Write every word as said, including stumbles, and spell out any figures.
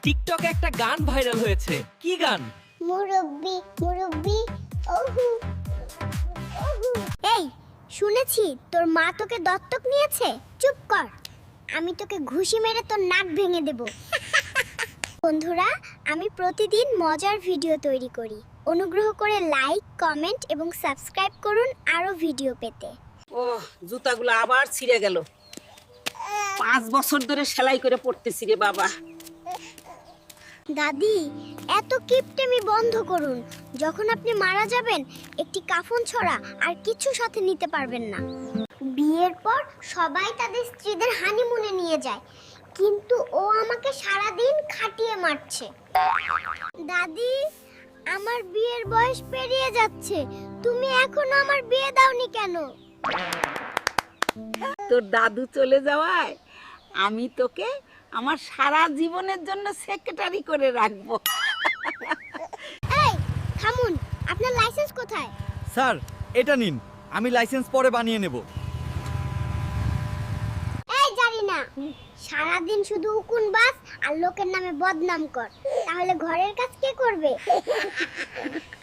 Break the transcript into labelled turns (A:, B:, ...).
A: টিকটকে একটা গান ভাইরাল হয়েছে। কি গান?
B: মুরব্বি মুরব্বি ওহু ওহু। এই শুনেছি তোর মা তোকে দত্তক নিয়েছে। চুপ কর, আমি তোকে ঘুষি মেরে তোর নাক ভেঙে দেব। বন্ধুরা, আমি প্রতিদিন মজার ভিডিও তৈরি করি। অনুগ্রহ করে লাইক, কমেন্ট এবং সাবস্ক্রাইব করুন আরো ভিডিও পেতে।
C: ও জুতাগুলো আবার ছিঁড়ে গেল। পাঁচ বছর ধরে সেলাই করে পড়তেছি রে বাবা।
B: দাদি, এত কিপটেমি বন্ধ করুন। যখন আপনি মারা যাবেন একটি কাফন ছড়া আর কিছু সাথে নিতে পারবেন না। বিয়ের পর সবাই তাদের স্ত্রীদের হানিমুনে নিয়ে যায়, কিন্তু ও আমাকে সারা দিন খাটিয়ে মারছে। দাদি, আমার বিয়ের বয়স পেরিয়ে যাচ্ছে, তুমি এখনো আমার বিয়ে দাওনি কেন?
C: তোর দাদু চলে যাওয়ায় আমি তোকে আমার সারা জীবনের জন্য সেক্রেটারি করে রাখবো।
B: এই থামুন, আপনার লাইসেন্স কোথায়?
D: স্যার, এটা নিন, আমি লাইসেন্স পরে বানিয়ে নেব।
B: এই জানি না, সারাদিন শুধু উকুন বাস আর লোকের নামে বদনাম কর, তাহলে ঘরের কাজ কে করবে?